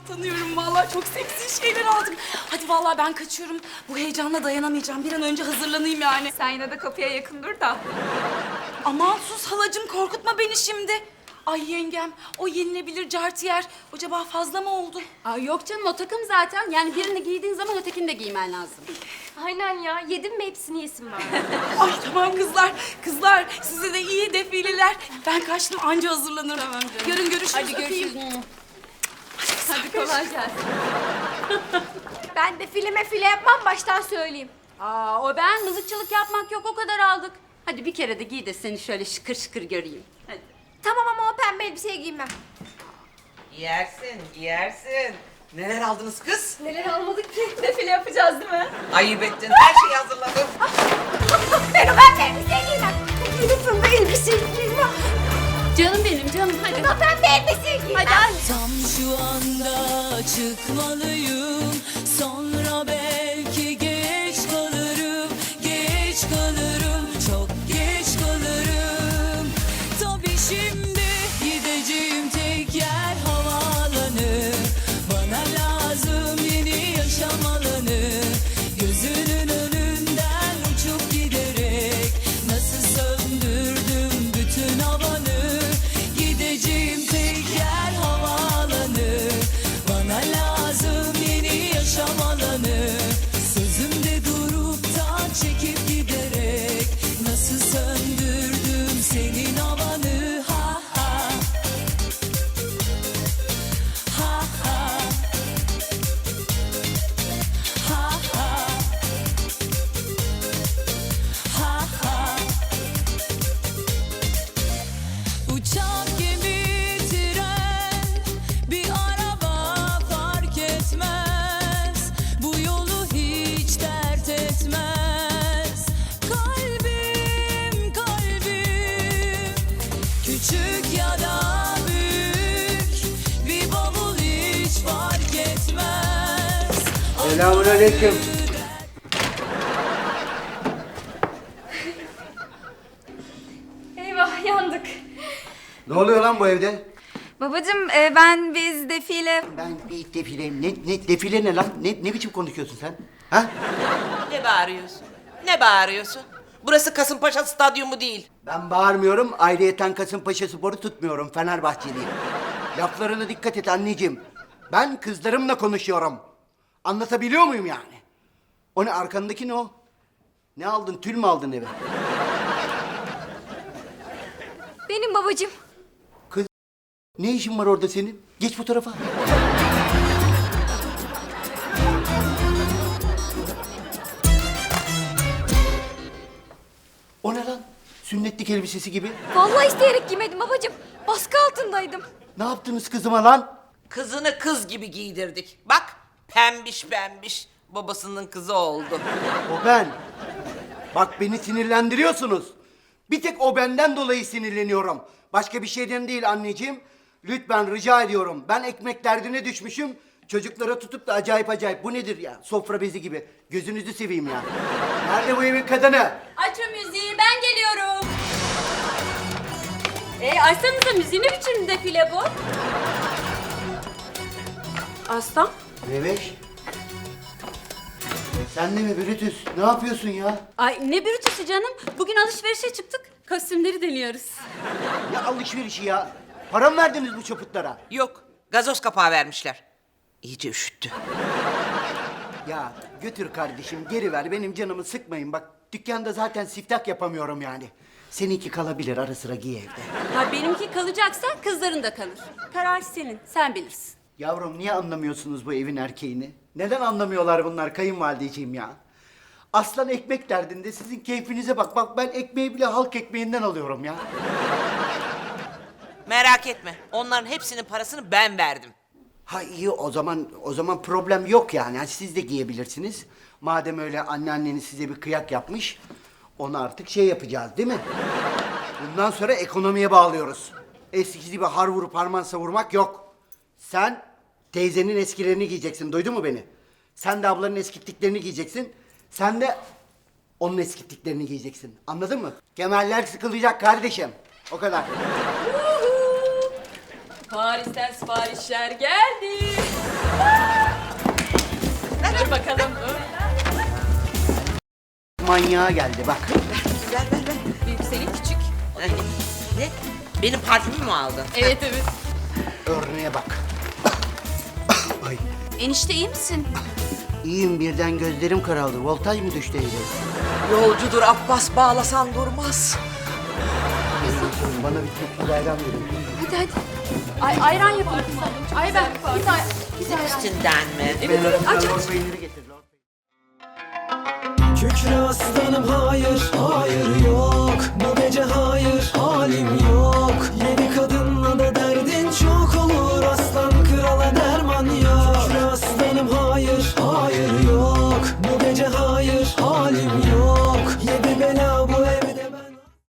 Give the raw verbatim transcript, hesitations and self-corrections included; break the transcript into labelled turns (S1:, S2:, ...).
S1: tanıyorum vallahi, çok seksi şeyler aldım. Hadi vallahi ben kaçıyorum. Bu heyecanla dayanamayacağım. Bir an önce hazırlanayım yani.
S2: Sen yine de kapıya yakın dur da.
S1: Aman sus halacığım, korkutma beni şimdi. Ay yengem, o yenilebilir cartiyer acaba fazla mı oldu?
S3: Aa, yok canım, o takım zaten. Yani birini giydiğin zaman ötekini de giymen lazım.
S2: Aynen ya. Yedin mi hepsini yesin bari.
S1: Ay tamam kızlar, kızlar size de iyi defileler. Ben kaçtım, anca hazırlanırım. Tamam canım. Yarın görüşürüz.
S3: Hadi görüşürüz.
S2: Hadi kolay gelsin. Ben de filme file yapmam, baştan söyleyeyim.
S3: Aa, o ben mızıkçılık yapmak yok, o kadar aldık. Hadi bir kere de giy de seni şöyle şıkır şıkır göreyim. Hadi.
S2: Tamam ama o pembe elbiseyi giymem.
S4: Giyersin, giyersin. Neler aldınız kız?
S2: Neler almadık ki? Defile yapacağız değil mi?
S4: Ayıp ettin, her şeyi hazırladım.
S2: Ben o pembe elbiseyi giymem. Gidip pembe elbiseyi giymem.
S3: Canım benim, canım hadi.
S2: O pembe elbiseyi giymem.
S3: Hadi hadi.
S5: Tam şu anda çıkmalıyım. Sonra belki geç kalırım. Geç kalırım. Çok geç kalırım. Tabii şimdi gideceğim tek yer havaalanı. Bana lazım yeni yaşam alanı. Gözünün önünden uçup giderek nasıl söndürdüm bütün havanı. Gideceğim tek yer havaalanı. Bana lazım yeni yaşam alanı. Sözümde durup da çekip giderek nasıl söndürdüm senin havanı. Ha ha. Ha ha. Ha ha. Ha ha. Uçak, gemi, tren, bir araba fark etmez. Bu yolu hiç dert etmez. Kalbim, kalbim, küçük ya da büyük, bir bavul hiç fark etmez.
S6: Selamünaleyküm.
S2: Eyvah, yandık.
S6: Ne oluyor lan bu evde?
S2: Babacığım e, ben biz defile...
S6: Ben bir defileyim. Ne, ne defile ne lan? Ne, ne biçim konuşuyorsun sen? Ha?
S4: Ne bağırıyorsun? Ne bağırıyorsun? Burası Kasımpaşa Stadyumu değil.
S6: Ben bağırmıyorum. Ayrıyeten Kasımpaşa Spor'u tutmuyorum. Fenerbahçeliyim. Laflarına dikkat et anneciğim. Ben kızlarımla konuşuyorum. Anlatabiliyor muyum yani? O ne, arkandaki ne o? Ne aldın? Tül mü aldın eve?
S2: Benim babacığım.
S6: Kız, ne işin var orada senin? Geç bu tarafa. O ne lan? Sünnetlik elbisesi gibi.
S2: Vallahi isteyerek giymedim babacığım. Baskı altındaydım.
S6: Ne yaptınız kızıma lan?
S4: Kızını kız gibi giydirdik. Bak, pembiş pembiş. Babasının kızı oldu.
S6: O ben. Bak beni sinirlendiriyorsunuz. Bir tek o benden dolayı sinirleniyorum. Başka bir şeyden değil anneciğim. Lütfen rica ediyorum. Ben ekmek derdine düşmüşüm. Çocuklara tutup da acayip acayip. Bu nedir ya? Sofra bezi gibi. Gözünüzü seveyim ya. Nerede bu evin kadını?
S3: Aç o müziği, ben geliyorum. E, açsanıza müziği, ne biçim defile bu? Aslan.
S6: Meveş. Sen de mi Brutus? Ne yapıyorsun ya?
S3: Ay ne bürütüsü canım. Bugün alışverişe çıktık. Kostümleri deniyoruz.
S6: Ne alışverişi ya? Para mı verdiniz bu çaputlara?
S4: Yok, gazoz kapağı vermişler. İyice üşüttü.
S6: Ya götür kardeşim, geri ver, benim canımı sıkmayın. Bak dükkanda zaten siftah yapamıyorum yani. Seninki kalabilir, ara sıra giy evde.
S3: Ha, benimki kalacaksa kızların da kalır. Karar senin, sen bilirsin.
S6: Yavrum niye anlamıyorsunuz bu evin erkeğini? Neden anlamıyorlar bunlar kayınvalideciğim ya? Aslan ekmek derdinde, sizin keyfinize bak. Bak ben ekmeği bile halk ekmeğinden alıyorum ya.
S4: Merak etme, onların hepsinin parasını ben verdim.
S6: Ha iyi, o zaman o zaman problem yok yani. Yani siz de giyebilirsiniz. Madem öyle anneanneniz size bir kıyak yapmış, onu artık şey yapacağız değil mi? Bundan sonra ekonomiye bağlıyoruz. Eskisi gibi har vurup harman savurmak yok. Sen teyzenin eskilerini giyeceksin, duydun mu beni? Sen de ablanın eskittiklerini giyeceksin. Sen de onun eskittiklerini giyeceksin. Anladın mı? Kemerler sıkılacak kardeşim. O kadar.
S3: Paris'ten siparişler geldi. Dur bakalım.
S6: Manyağa geldi bak.
S4: Ver ver ver.
S3: Bir senin küçük.
S4: Ne? Benim parfümümü mü aldın?
S3: Evet evet.
S6: Örneğe bak. Ay.
S3: Enişte iyi misin?
S6: İyiyim, birden gözlerim karaldı. Voltaj mı düştü evde?
S4: Yolcudur Abbas, bağlasan durmaz.
S6: Bana bir tepki ayran verin.
S3: Hadi hadi. Ay ayran yapalım. Ay ben bir daha bir daha ayran.
S4: Üstünden mi?
S6: Evet, evet, aç, lor peyniri getir. Lor peyniri.
S7: Kükre aslanım hayır, hayır yok. Bu gece hayır, halim yok.